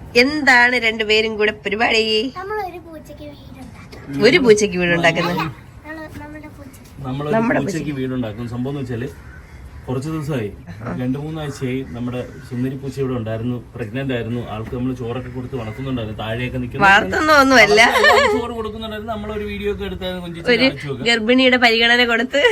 എന്താണ് രണ്ടുപേരും കൂടെ പരിപാടി? ഒരു പൂച്ചയ്ക്ക് വീടുണ്ടാക്കുന്നത്. നമ്മളൊരു പൂച്ചയ്ക്ക് വീടുണ്ടാക്കും. സംഭവം എന്ന് വെച്ചാല് കുറച്ച് ദിവസമായി 2-3 ആഴ്ചയായി നമ്മുടെ സുന്ദരി പൂച്ച ഇവിടെ ഉണ്ടായിരുന്നു. പ്രഗ്നന്റ് ആയിരുന്നു. ആൾക്ക് നമ്മൾ ചോറൊക്കെ കൊടുത്ത് വളർത്തുന്നുണ്ടായിരുന്നു. താഴെയൊക്കെ നിൽക്കുന്നൊന്നുമല്ല, ചോറ് കൊടുക്കുന്നുണ്ടായിരുന്നു. നമ്മളൊരു വീഡിയോ ഒക്കെ എടുത്തായിരുന്നു. ഒരു ഗർഭിണിയുടെ പരിഗണന കൊടുത്ത്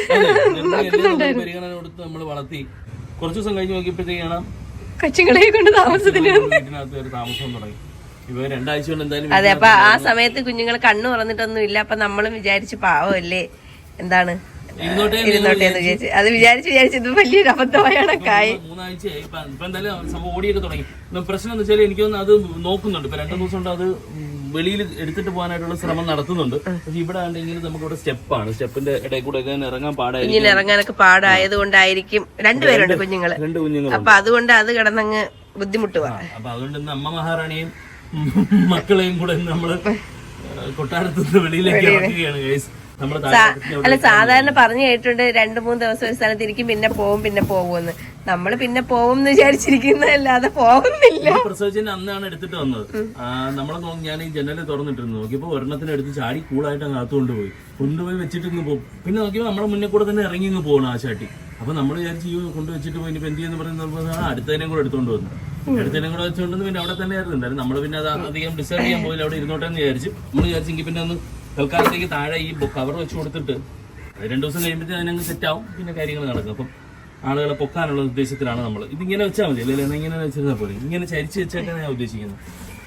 പരിഗണന കൊടുത്ത് നമ്മൾ വളർത്തി. കുറച്ച് ദിവസം കഴിഞ്ഞ് നോക്കിയപ്പോഴത്തേക്കാണ് കൊച്ചുങ്ങളെ കൊണ്ട് താമസത്തിന് വീട്ടിനകത്ത് ഒരു താമസം തുടങ്ങി. ഇവ 2 ആഴ്ച കൊണ്ട് എന്തായാലും. അതെ, അപ്പൊ ആ സമയത്ത് കുഞ്ഞുങ്ങൾ കണ്ണു തുറന്നിട്ടൊന്നും ഇല്ല. അപ്പൊ നമ്മളും വിചാരിച്ചു പാവല്ലേ, എന്താണ് ഇരുന്നോട്ടേന്ന് വിചാരിച്ചു. അത് വിചാരിച്ചു ഇത് വലിയൊരു അബദ്ധമായാണ്. 3 ആഴ്ചയായി. ഇപ്പൊ എന്തായാലും സംഭവം ഓടിയൊക്കെ തുടങ്ങി. പ്രശ്നം എന്ന് വെച്ചാൽ എനിക്കൊന്ന് അത് നോക്കുന്നുണ്ട്. ഇപ്പൊ 2 ദിവസം കൊണ്ട് അത് വെളിയിൽ എടുത്തിട്ട് പോകാനായിട്ടുള്ള ശ്രമം നടത്തുന്നുണ്ട്. പക്ഷെ ഇവിടെ ആണെങ്കിൽ നമുക്ക് ഇവിടെ സ്റ്റെപ്പാണ്. സ്റ്റെപ്പിന്റെ ഇടയിൽ കൂടെ ഇറങ്ങാൻ പാടായിരിക്കും. ഇറങ്ങാനൊക്കെ പാടായത് കൊണ്ടായിരിക്കും. 2 പേരുണ്ട് കുഞ്ഞുങ്ങള്. 2 കുഞ്ഞുങ്ങൾ. അപ്പൊ അതുകൊണ്ട് അത് കിടന്നങ്ങ് ബുദ്ധിമുട്ടുക. അപ്പൊ അതുകൊണ്ട് ഇന്ന് അമ്മ മഹാറാണിയും മക്കളെയും കൂടെ നമ്മള് കൊട്ടാരത്തുനിന്ന് വെളിയിലേക്ക് ഇറക്കുകയാണ് ഗൈസ്. അല്ല, സാധാരണ പറഞ്ഞു കേട്ടിട്ടുണ്ട് 2-3 ദിവസം ഒരു സ്ഥലത്ത് ഇരിക്കും, പിന്നെ പോകുമെന്ന്. നമ്മള് പിന്നെ പോകും എന്ന് വിചാരിച്ചിരിക്കുന്നതല്ലാതെ പോകുന്നില്ല. പ്രസവിച്ചതിന് അന്നാണ് എടുത്തിട്ട് വന്നത്. നമ്മളെ ഞാൻ ഈ ജനല് തുറന്നിട്ടിരുന്നു. നോക്കിയപ്പോ ഒരെണ്ണത്തിന് എടുത്ത് ചാടി കൂളായിട്ട് അങ്ങ് അകത്ത് കൊണ്ടുപോയി വെച്ചിട്ട് ഇങ്ങ് പോകും. പിന്നെ നോക്കിയപ്പോ നമ്മളെ മുന്നേ കൂടെ തന്നെ ഇറങ്ങി ഇങ്ങ് പോകണം ആ ചാട്ടി. അപ്പൊ നമ്മൾ വിചാരിച്ച് കൊണ്ടുവച്ചിട്ട് പോയി ഇനിയിപ്പോ എന്ത് ചെയ്യുന്ന പറയുന്നത് അടുത്തതിനെയും കൂടെ എടുത്തോണ്ട് വന്നു. അടുത്തതിനും കൂടെ വെച്ചുകൊണ്ടെന്ന് പിന്നെ അവിടെ തന്നെ ആയിരുന്നു. നമ്മള് പിന്നെ അത് അധികം ഡിസ്റ്റർബ് ചെയ്യാൻ പോയില്ല, അവിടെ ഇരുന്നോട്ടെ എന്ന് വിചാരിച്ചു. നമ്മൾ വിചാരിച്ചെങ്കിൽ പിന്നെ ഒന്ന് തൽക്കാലത്തേക്ക് താഴെ ഈ കവർ വെച്ച് കൊടുത്തിട്ട് 2 ദിവസം കഴിയുമ്പോഴത്തേക്ക് അതിനങ്ങ് സെറ്റാവും. പിന്നെ കാര്യങ്ങൾ നടക്കും. അപ്പം ആളുകളെ പൊക്കാനുള്ള ഉദ്ദേശത്തിലാണ് നമ്മൾ ഇതിങ്ങനെ വെച്ചാൽ മതി. അല്ലെങ്കിൽ ഇങ്ങനെ വെച്ചിരുന്നാൽ പോലെ ഇങ്ങനെ ചരിച്ച് വെച്ചായിട്ടാണ് ഞാൻ ഉദ്ദേശിക്കുന്നത്.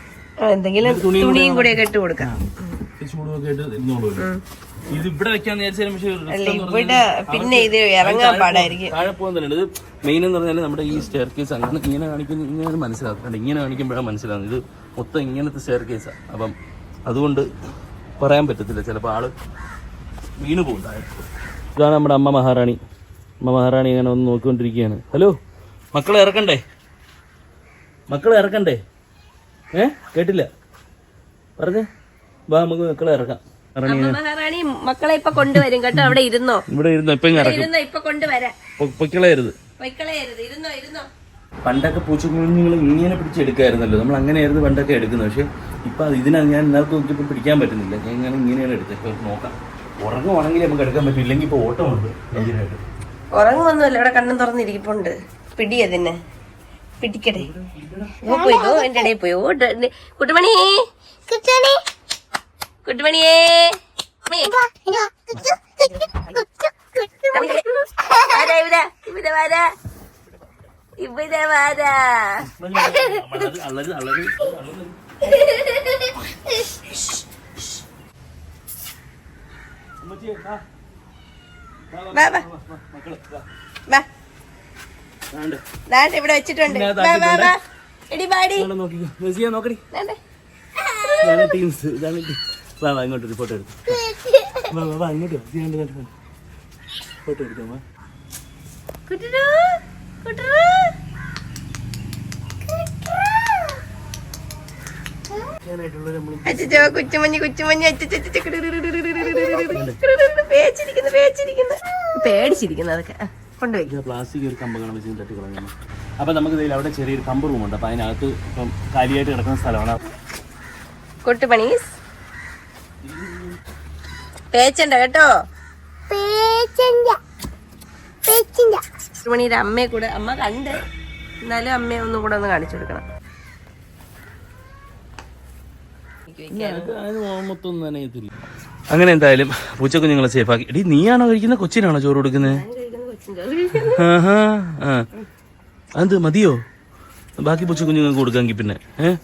തുണിയും കൂടെ ഇട്ട് കൊടുക്കാം, ചൂടുമൊക്കെ ആയിട്ട് ഇരുന്നോളൂ. ഇത് ഇവിടെ വെക്കാന്ന് വിചാരിച്ചാലും പിന്നെ ഇത് ഇറങ്ങാൻ പാടായിരിക്കും. താഴെ പോകാൻ തന്നെ ഇത് മെയിൻ എന്ന് പറഞ്ഞാൽ നമ്മുടെ ഈ സ്റ്റെയർ കേസ് അങ്ങനെ ഇങ്ങനെ കാണിക്കുന്ന ഇങ്ങനെ മനസ്സിലാക്കുന്നുണ്ട്. ഇങ്ങനെ കാണിക്കുമ്പോഴാണ് മനസ്സിലാകുന്നത് ഇത് മൊത്തം ഇങ്ങനത്തെ സ്റ്റെയർ കേസാണ്. അപ്പം അതുകൊണ്ട് പറയാൻ പറ്റത്തില്ല, ചിലപ്പോൾ ആള് വീണ് പോകും താഴെ. ഇതാണ് നമ്മുടെ അമ്മ മഹാറാണി. അമ്മ മഹാറാണി ഇങ്ങനെ ഒന്ന് നോക്കിക്കൊണ്ടിരിക്കുകയാണ്. ഹലോ, മക്കളെ ഇറക്കണ്ടേ? കേട്ടില്ല പറഞ്ഞേ. വാ, നമുക്ക് മക്കളെ ഇറക്കാം. മഹാറാണി മക്കളെ ഇപ്പൊ കൊണ്ടുവരും കേട്ടോ. അവിടെ ഇരുന്നോ, ഇവിടെ ഇരുന്നോ, ഇപ്പൊ കൊണ്ടുവരാം. പൊക്കളയരുത്. പണ്ടൊക്കെ പൂച്ചക്കുഞ്ഞുങ്ങൾ ഇങ്ങനെ പിടിച്ചെടുക്കായിരുന്നല്ലോ. നമ്മൾ അങ്ങനെയായിരുന്നു പണ്ടൊക്കെ എടുക്കുന്നത്. പക്ഷെ ഇപ്പൊ ഇതിനാണ് ഞാൻ ഇന്നത്തെ നോക്കിയപ്പോൾ പിടിക്കാൻ പറ്റുന്നില്ല. ഞാൻ ഇങ്ങനെയാണ് എടുത്തത്. ഇപ്പൊ നോക്കാം, ഉറങ്ങുവാണെങ്കിൽ നമുക്ക് എടുക്കാൻ പറ്റും. ഇല്ലെങ്കിൽ ഇപ്പൊ ഓട്ടമുണ്ട് ഭയങ്കരമായിട്ട്. ഉറങ്ങുമൊന്നുമല്ല, ഇവിടെ കണ്ണും തുറന്നിരിക്കുന്നുണ്ട്. പിടിയ തന്നെ പിടിക്കട്ടെ. പോയിതോ എന്റെ ഇടയിൽ പോയോ. കുട്ടുമണിയേ, കുട്ടുമണിയേ, ഇവിടെ വാരാ. ഇവിടെ വെച്ചിട്ടുണ്ട്. ഇങ്ങോട്ടൊരു ഫോട്ടോ എടുത്തു. ഇങ്ങോട്ട് ഫോട്ടോ എടുക്കാമോ? കുച്ചുമഞ്ഞ് പേടിച്ചിരിക്കുന്നു. അതൊക്കെ കൊണ്ടുപോയി പ്ലാസ്റ്റിക് ഒരു കമ്പ് കാണാൻ വെച്ച് തട്ടി കളഞ്ഞു. അപ്പൊ നമുക്ക് അവിടെ ചെറിയൊരു കമ്പ് റൂമുണ്ട്. അപ്പൊ അതിനകത്ത് ഇപ്പം കാലിയായിട്ട് കിടക്കുന്ന സ്ഥലമാണ്. കുട്ടുപണീസ് പേച്ചണ്ട കേട്ടോ. കുട്ടുപണിയുടെ അമ്മയെ കൂടെ അമ്മ കണ്ട്, എന്നാലും അമ്മയെ ഒന്നും കൂടെ ഒന്ന് കാണിച്ചു കൊടുക്കണം. അങ്ങനെ എന്തായാലും പൂച്ചക്കുഞ്ഞുങ്ങളെ സേഫാക്കി. എടീ, നീയാണോ കഴിക്കുന്ന? കൊച്ചിനാണോ ചോറ് കൊടുക്കുന്നത്? അത് മതിയോ? ബാക്കി പൂച്ചക്കുഞ്ഞുങ്ങൾക്ക് കൊടുക്കാമെങ്കിൽ പിന്നെ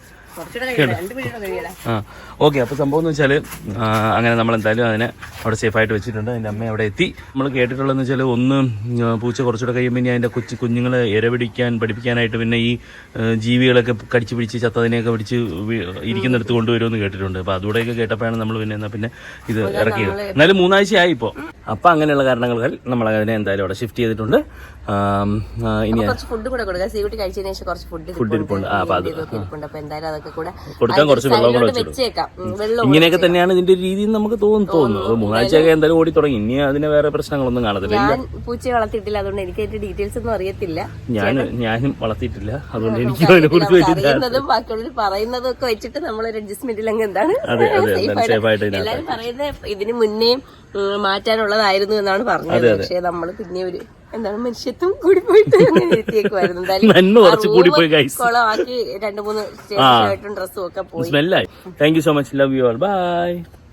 ഓക്കെ. അപ്പോൾ സംഭവം എന്ന് വെച്ചാൽ അങ്ങനെ നമ്മളെന്തായാലും അതിനെ അവിടെ സേഫായിട്ട് വെച്ചിട്ടുണ്ട്. അതിൻ്റെ അമ്മ അവിടെ എത്തി. നമ്മൾ കേട്ടിട്ടുള്ളതെന്ന് വെച്ചാൽ ഒന്ന് പൂച്ച കുറച്ചുകൂടെ കഴിയുമ്പോൾ ഇനി അതിൻ്റെ കുഞ്ഞുങ്ങളെ പഠിപ്പിക്കാനായിട്ട് പിന്നെ ഈ ജീവികളൊക്കെ കടിച്ച് പിടിച്ച് ചത്തതിനെയൊക്കെ പിടിച്ച് ഇരിക്കുന്നിടത്ത് കൊണ്ടുവരുമെന്ന് കേട്ടിട്ടുണ്ട്. അപ്പോൾ അതുകൂടെയൊക്കെ കേട്ടപ്പോഴാണ് നമ്മൾ പിന്നെ ഇത് ഇറക്കിയത്. എന്നാലും 3 ആഴ്ചയായി ഇപ്പോൾ. അപ്പം അങ്ങനെയുള്ള കാരണങ്ങൾ നമ്മൾ അതിനെ എന്തായാലും അവിടെ ഷിഫ്റ്റ് ചെയ്തിട്ടുണ്ട്. ഇനി ഫുഡ് കൂടെ കൊടുക്കാം. സീകുട്ടി കഴിച്ചതിന് ശേഷം കുറച്ച് ഫുഡ് ഇരിപ്പുണ്ട്. അപ്പോൾ അത് ഒക്കെ കൂടെ കൊടുക്കാൻ കുറച്ച് വെള്ളം കൂടെ വെച്ചേക്കാം. വെള്ളം ഇങ്ങനെയൊക്കെ തന്നെയാണ് ഇതിന്റെ രീതി നമുക്ക് തോന്നുന്നു. 3 ആഴ്ചയൊക്കെ എന്തായാലും ഓടി തുടങ്ങി. ഇനി അതിന് വേറെ പ്രശ്നങ്ങളൊന്നും കാണത്തില്ല. ഞാൻ പൂച്ചയെ വളർത്തിയിട്ടില്ല, അതുകൊണ്ട് എനിക്ക് അതിന്റെ ഡീറ്റെയിൽസ് ഒന്നും അറിയത്തില്ല. ഞാനും വളർത്തിയിട്ടില്ല, അതുകൊണ്ട് എനിക്ക് അതിനെ കുറിച്ച് അറിയുന്നതും ബാക്കിയുള്ളവർ പറയുന്നതും ഒക്കെ വെച്ചിട്ട് നമ്മളൊരു അഡ്ജസ്റ്റ്മെന്റിൽ അങ്ങ് എന്താണ് എല്ലാരും പറയുന്നത് ഇതിന് മുന്നേ മാറ്റാനുള്ളതായിരുന്നു എന്നാണ് പറഞ്ഞത്. പക്ഷെ നമ്മള് പിന്നെ ഒരു എന്താണ് മനുഷ്യത്വം കൂടി പോയിട്ട് എത്തിയേക്കുമായിരുന്നു. കുളമാക്കി 2-3 സ്റ്റേഷനായിട്ടും ഡ്രസ്സും ഒക്കെ പോയി. Thank you so much. Love you all. By.